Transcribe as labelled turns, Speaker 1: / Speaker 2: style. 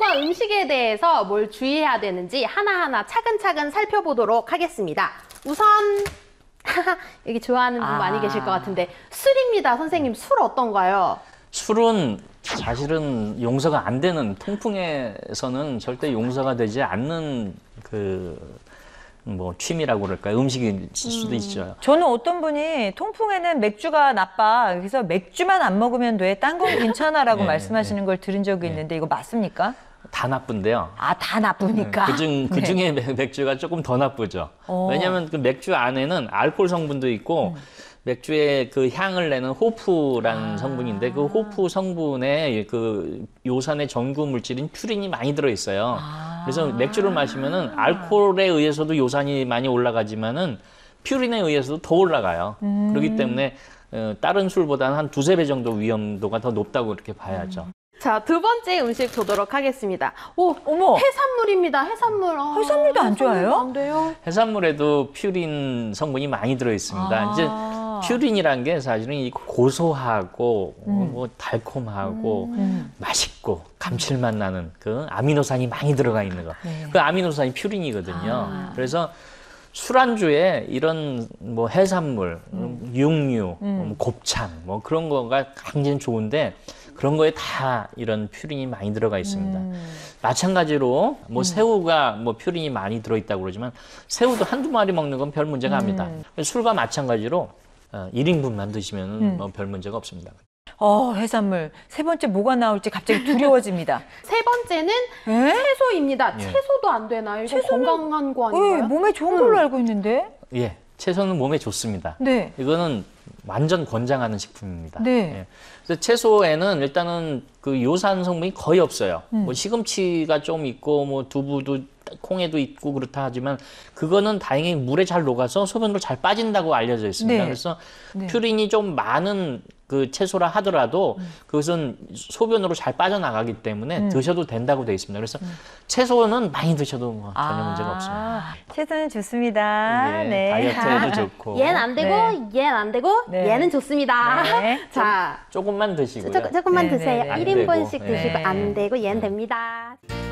Speaker 1: 건강과 음식에 대해서 뭘 주의해야 되는지 하나하나 차근차근 살펴보도록 하겠습니다. 우선 여기 좋아하는 분 많이 계실 것 같은데 술입니다. 선생님, 술 어떤가요?
Speaker 2: 술은 사실은 용서가 안 되는, 통풍에서는 절대 용서가 되지 않는 취미라고 그럴까요? 음식일 수도 있죠.
Speaker 3: 저는 어떤 분이 통풍에는 맥주가 나빠, 그래서 맥주만 안 먹으면 돼, 딴 건 괜찮아라고
Speaker 2: 네,
Speaker 3: 말씀하시는 걸 들은 적이 있는데 이거 맞습니까?
Speaker 2: 다 나쁜데요.
Speaker 3: 아, 다 나쁘니까.
Speaker 2: 그중에 맥주가 조금 더 나쁘죠. 왜냐하면 그 맥주 안에는 알코올 성분도 있고 맥주의 그 향을 내는 호프라는 성분인데, 그 호프 성분에 그 요산의 전구 물질인 퓨린이 많이 들어있어요. 그래서 맥주를 마시면은 알코올에 의해서도 요산이 많이 올라가지만은 퓨린에 의해서도 더 올라가요. 그렇기 때문에 다른 술보다는 한 2~3배 정도 위험도가 더 높다고 이렇게 봐야죠.
Speaker 1: 자, 두 번째 음식 보도록 하겠습니다. 오,
Speaker 3: 어머.
Speaker 1: 해산물입니다. 해산물.
Speaker 3: 해산물도 안 좋아해요?
Speaker 1: 안 돼요.
Speaker 2: 해산물에도 퓨린 성분이 많이 들어있습니다. 이제 퓨린이란 게 사실은 이 고소하고 뭐 달콤하고 맛있고 감칠맛 나는 그 아미노산이 많이 들어가 있는 거. 그 아미노산이 퓨린이거든요. 그래서 술안주에 이런 뭐 해산물, 육류, 곱창 뭐 그런 거가 굉장히 좋은데, 그런 거에 다 이런 퓨린이 많이 들어가 있습니다. 마찬가지로 뭐 새우가 뭐 퓨린이 많이 들어있다고 그러지만 새우도 한두 마리 먹는 건 별 문제가 아닙니다. 술과 마찬가지로 1인분만 드시면 뭐 별 문제가 없습니다.
Speaker 3: 해산물. 세 번째 뭐가 나올지 갑자기 두려워집니다.
Speaker 1: 세 번째는 채소입니다. 채소도 안 되나요? 이거 건강한 거 아닌가요?
Speaker 3: 몸에 좋은 걸로 알고 있는데.
Speaker 2: 예, 채소는 몸에 좋습니다.
Speaker 3: 네.
Speaker 2: 이거는 완전 권장하는 식품입니다.
Speaker 3: 네.
Speaker 2: 예. 그래서 채소에는 일단은 그 요산 성분이 거의 없어요. 뭐 시금치가 좀 있고 뭐 두부도 콩에도 있고 그렇다 하지만 그거는 다행히 물에 잘 녹아서 소변으로 잘 빠진다고 알려져 있습니다.
Speaker 3: 네.
Speaker 2: 그래서 퓨린이 좀 많은 그 채소라 하더라도 그것은 소변으로 잘 빠져나가기 때문에 드셔도 된다고 되어 있습니다. 그래서 채소는 많이 드셔도 뭐 전혀 문제가 없습니다.
Speaker 3: 채소는 좋습니다.
Speaker 2: 예,
Speaker 3: 네.
Speaker 2: 다이어트에도 좋고.
Speaker 1: 얘는 안 되고, 얘는 안 되고,
Speaker 3: 네.
Speaker 1: 얘는 좋습니다.
Speaker 3: 네.
Speaker 1: 자,
Speaker 2: 조금만 드시고요.
Speaker 1: 조금만
Speaker 3: 네,
Speaker 1: 드세요.
Speaker 3: 네, 네.
Speaker 1: 1인분씩
Speaker 2: 안 되고,
Speaker 1: 드시고
Speaker 3: 네.
Speaker 1: 안 되고, 얘는 됩니다.